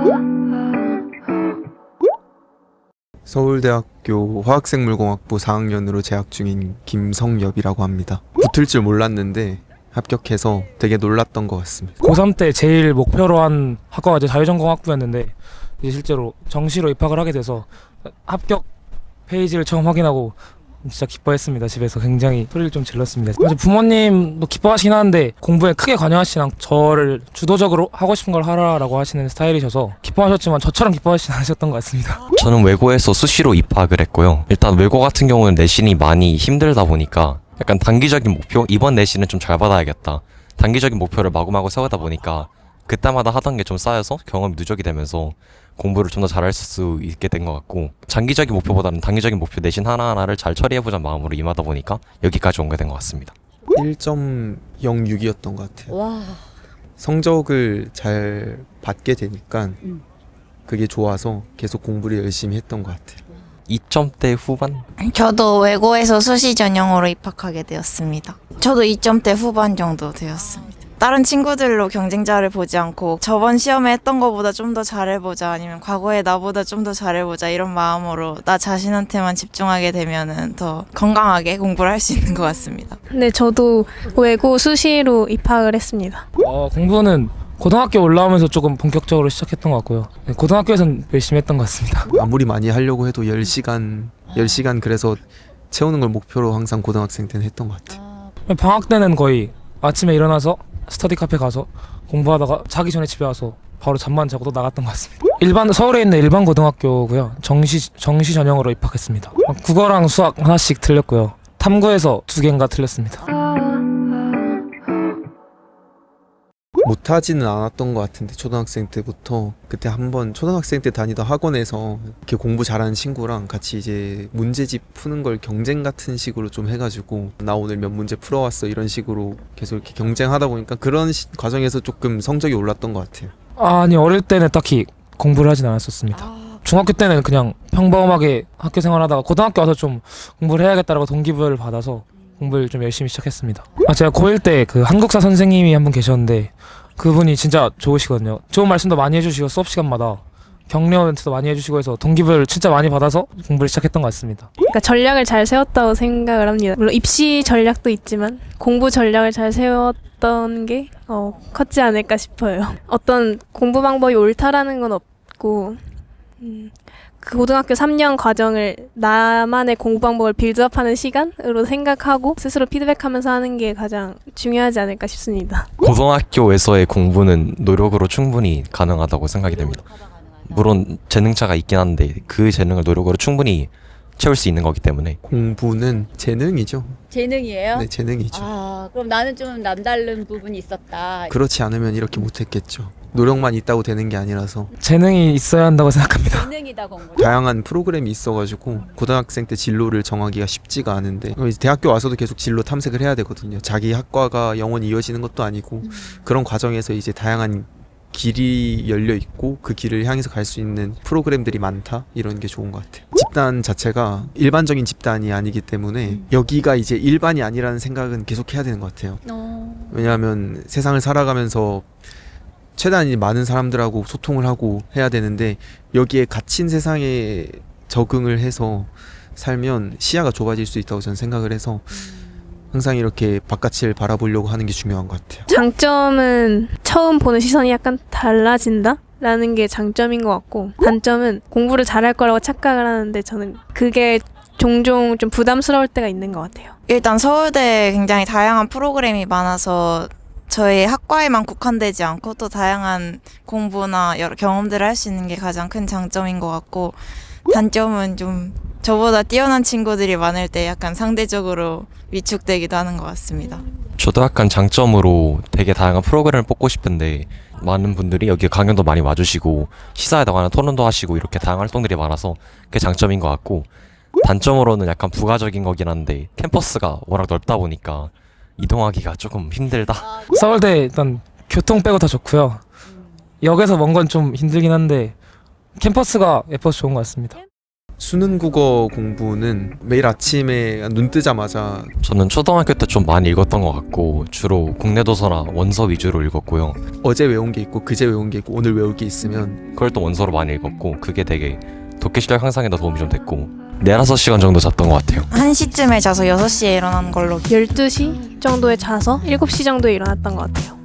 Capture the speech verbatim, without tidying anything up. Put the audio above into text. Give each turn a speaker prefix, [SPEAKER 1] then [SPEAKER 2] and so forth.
[SPEAKER 1] 서울대학교 화학생물공학부 사 학년으로 재학 중인 김성엽이라고 합니다. 붙을 줄 몰랐는데 합격해서 되게 놀랐던 것 같습니다.
[SPEAKER 2] 고삼 때 제일 목표로 한 학과가 이제 자유전공학부였는데 이제 실제로 정시로 입학을 하게 돼서 합격 페이지를 처음 확인하고 진짜 기뻐했습니다. 집에서 굉장히 소리를 좀 질렀습니다. 사실 부모님도 기뻐하시긴 하는데 공부에 크게 관여하시진 않고 저를 주도적으로 하고 싶은 걸 하라라고 하시는 스타일이셔서 기뻐하셨지만 저처럼 기뻐하시진 않으셨던 것 같습니다.
[SPEAKER 3] 저는 외고에서 수시로 입학을 했고요. 일단 외고 같은 경우는 내신이 많이 힘들다 보니까 약간 단기적인 목표? 이번 내신은 좀 잘 받아야겠다. 단기적인 목표를 마구마구 세우다 보니까 그때마다 하던 게 좀 쌓여서 경험이 누적이 되면서 공부를 좀 더 잘할 수 있게 된 것 같고, 장기적인 목표보다는 단기적인 목표 내신 하나하나를 잘 처리해보자는 마음으로 임하다 보니까 여기까지 온 게 된 것 같습니다.
[SPEAKER 1] 일 점 영육이었던 것 같아요.
[SPEAKER 4] 와.
[SPEAKER 1] 성적을 잘 받게 되니까
[SPEAKER 4] 음.
[SPEAKER 1] 그게 좋아서 계속 공부를 열심히 했던 것 같아요.
[SPEAKER 3] 이 점대 후반?
[SPEAKER 5] 저도 외고에서 수시 전형으로 입학하게 되었습니다. 저도 이 점대 후반 정도 되었습니다. 다른 친구들로 경쟁자를 보지 않고 저번 시험에 했던 것보다 좀 더 잘해보자, 아니면 과거에 나보다 좀 더 잘해보자, 이런 마음으로 나 자신한테만 집중하게 되면은 더 건강하게 공부를 할 수 있는 것 같습니다.
[SPEAKER 6] 네, 저도 외고 수시로 입학을 했습니다.
[SPEAKER 2] 어, 공부는 고등학교 올라오면서 조금 본격적으로 시작했던 것 같고요. 네, 고등학교에서는 열심히 했던 것 같습니다.
[SPEAKER 1] 아무리 많이 하려고 해도 열 시간, 열 시간 그래서 채우는 걸 목표로 항상 고등학생 때는 했던 것 같아요.
[SPEAKER 2] 방학 때는 거의 아침에 일어나서 스터디 카페 가서 공부하다가 자기 전에 집에 와서 바로 잠만 자고 또 나갔던 것 같습니다. 일반 서울에 있는 일반 고등학교고요. 정시 정시 전형으로 입학했습니다. 국어랑 수학 하나씩 틀렸고요. 탐구에서 두 개인가 틀렸습니다.
[SPEAKER 1] 못하지는 않았던 것 같은데 초등학생 때부터 그때 한번 초등학생 때 다니던 학원에서 이렇게 공부 잘하는 친구랑 같이 이제 문제집 푸는 걸 경쟁 같은 식으로 좀 해가지고 나 오늘 몇 문제 풀어왔어 이런 식으로 계속 이렇게 경쟁하다 보니까 그런 시, 과정에서 조금 성적이 올랐던 것 같아요.
[SPEAKER 2] 아니, 어릴 때는 딱히 공부를 하진 않았었습니다. 중학교 때는 그냥 평범하게 학교 생활하다가 고등학교 와서 좀 공부를 해야겠다라고 동기부여를 받아서 공부를 좀 열심히 시작했습니다. 아, 제가 고일 때 그 한국사 선생님이 한 분 계셨는데 그분이 진짜 좋으시거든요. 좋은 말씀도 많이 해주시고 수업 시간마다 격려 멘트도 많이 해주시고 해서 동기부여를 진짜 많이 받아서 공부를 시작했던 것 같습니다.
[SPEAKER 6] 그러니까 전략을 잘 세웠다고 생각을 합니다. 물론 입시 전략도 있지만 공부 전략을 잘 세웠던 게 어, 컸지 않을까 싶어요. 어떤 공부 방법이 옳다라는 건 없고 음, 그 고등학교 삼 년 과정을 나만의 공부 방법을 빌드업하는 시간으로 생각하고 스스로 피드백하면서 하는 게 가장 중요하지 않을까 싶습니다.
[SPEAKER 3] 고등학교에서의 공부는 노력으로 충분히 가능하다고 생각이 됩니다. 물론 재능차가 있긴 한데 그 재능을 노력으로 충분히 채울 수 있는 거기 때문에.
[SPEAKER 1] 공부는 재능이죠.
[SPEAKER 4] 재능이에요?
[SPEAKER 1] 네, 재능이죠.
[SPEAKER 4] 아, 그럼 나는 좀 남다른 부분이 있었다.
[SPEAKER 1] 그렇지 않으면 이렇게 못했겠죠. 노력만 있다고 되는 게 아니라서
[SPEAKER 2] 재능이 있어야 한다고 생각합니다.
[SPEAKER 4] 재능이다 공부.
[SPEAKER 1] 다양한 프로그램이 있어가지고 고등학생 때 진로를 정하기가 쉽지가 않은데 대학교 와서도 계속 진로 탐색을 해야 되거든요. 자기 학과가 영원히 이어지는 것도 아니고
[SPEAKER 4] 음.
[SPEAKER 1] 그런 과정에서 이제 다양한 길이 열려 있고 그 길을 향해서 갈 수 있는 프로그램들이 많다, 이런 게 좋은 것 같아요. 집단 자체가 일반적인 집단이 아니기 때문에
[SPEAKER 4] 음.
[SPEAKER 1] 여기가 이제 일반이 아니라는 생각은 계속 해야 되는 것 같아요.
[SPEAKER 4] 어.
[SPEAKER 1] 왜냐하면 세상을 살아가면서 최대한 많은 사람들하고 소통을 하고 해야 되는데 여기에 갇힌 세상에 적응을 해서 살면 시야가 좁아질 수 있다고 저는 생각을 해서 항상 이렇게 바깥을 바라보려고 하는 게 중요한 것 같아요.
[SPEAKER 6] 장점은 처음 보는 시선이 약간 달라진다? 라는 게 장점인 것 같고, 단점은 공부를 잘할 거라고 착각을 하는데 저는 그게 종종 좀 부담스러울 때가 있는 것 같아요.
[SPEAKER 5] 일단 서울대에 굉장히 다양한 프로그램이 많아서 저희 학과에만 국한되지 않고 또 다양한 공부나 여러 경험들을 할 수 있는 게 가장 큰 장점인 것 같고, 단점은 좀 저보다 뛰어난 친구들이 많을 때 약간 상대적으로 위축되기도 하는 것 같습니다.
[SPEAKER 3] 저도 약간 장점으로 되게 다양한 프로그램을 뽑고 싶은데 많은 분들이 여기 강연도 많이 와주시고 시사회다가나 토론도 하시고 이렇게 다양한 활동들이 많아서 그게 장점인 것 같고, 단점으로는 약간 부가적인 거긴 한데 캠퍼스가 워낙 넓다 보니까 이동하기가 조금 힘들다.
[SPEAKER 2] 서울대 일단 교통 빼고 다 좋고요. 역에서 먼 건 좀 힘들긴 한데 캠퍼스가 예뻐서 좋은 것 같습니다.
[SPEAKER 1] 수능 국어 공부는 매일 아침에 눈 뜨자마자
[SPEAKER 3] 저는 초등학교 때 좀 많이 읽었던 것 같고 주로 국내 도서나 원서 위주로 읽었고요.
[SPEAKER 1] 어제 외운 게 있고 그제 외운 게 있고 오늘 외울 게 있으면
[SPEAKER 3] 그걸 또 원서로 많이 읽었고 그게 되게 독해 실력 향상에도 도움이 좀 됐고 네다섯 시간 정도 잤던 것 같아요.
[SPEAKER 5] 한 시쯤에 자서 여섯 시에 일어나는 걸로.
[SPEAKER 6] 열두 시 정도에 자서 일곱 시 정도에 일어났던 것 같아요.